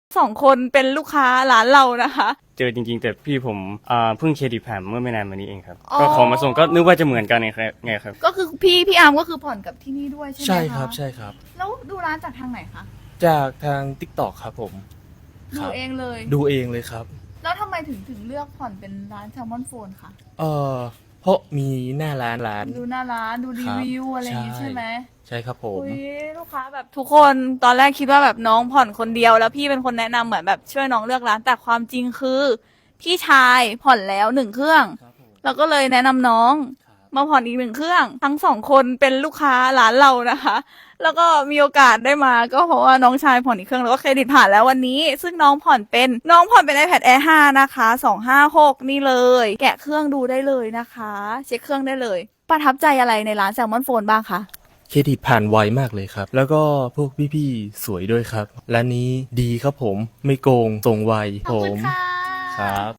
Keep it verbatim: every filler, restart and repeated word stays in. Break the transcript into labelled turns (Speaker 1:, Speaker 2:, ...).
Speaker 1: สองคนเป็นลูกค้าร้านเรานะคะ
Speaker 2: เจอจริงๆแต่พี่ผมอ่าเพิ่งเครดิตแผ่นเมื่อไม่นานมานี้เองครับ
Speaker 1: อ๋อ
Speaker 2: ก็ของมาส่งก็นึกว่าจะเหมือนกันไงครับไงครับ
Speaker 1: ก็คือพี่พี่อาร์มก็คือผ่อนกับที่นี่ด้วยใช่ไหมคะ
Speaker 3: ใช่ครับใช่ครับ
Speaker 1: แล้วดูร้านจากทางไหนคะ
Speaker 3: จากทาง TikTok ครับผม
Speaker 1: ดู
Speaker 3: ครับ
Speaker 1: เองเลย
Speaker 3: ดูเองเลยครับ
Speaker 1: แล้วทำไมถึงถึงเลือกผ่อนเป็นร้านแซลมอนโฟนคะ
Speaker 3: เออเพราะมีหน้าร้านร้าน
Speaker 1: ดูหน้าร้านดูรีวิวอะไรอย่างงี้
Speaker 3: ใช่
Speaker 1: ใช่ไหม
Speaker 3: ใช่ครับผม
Speaker 1: อุ้ยลูกค้าแบบทุกคนตอนแรกคิดว่าแบบน้องผ่อนคนเดียวแล้วพี่เป็นคนแนะนำเหมือนแบบช่วยน้องเลือกร้านแต่ความจริงคือ พี่ชายผ่อนแล้วหนึ่งเครื่อง
Speaker 3: ครับผม
Speaker 1: เราก็เลยแนะนำน้อง
Speaker 3: ครับ
Speaker 1: มาผ่อนอีกหนึ่งเครื่อง ทั้งสองคนเป็นลูกค้าร้านเรานะคะ แล้วก็มีโอกาสได้มาก็เพราะว่าน้องชายผ่อนอีกเครื่องแล้วก็เครดิตผ่านแล้ววันนี้ ซึ่งน้องผ่อนเป็นน้องผ่อนเป็น iPad Air ห้านะคะสองห้าหกนี่เลย แกะเครื่องดูได้เลยนะคะ เช็คเครื่องได้เลย ประทับใจอะไรในร้านแซลมอนโฟนบ้างคะ
Speaker 3: เครดิตผ่านไวมากเลยครับ แล้วก็พวกพี่ๆสวยด้วยครับร้านนี้ดีครับผมไม่โกงส่งไว
Speaker 1: ขอบ
Speaker 3: ผ
Speaker 1: คุณ
Speaker 3: ม
Speaker 1: ค่ะ
Speaker 3: ครับ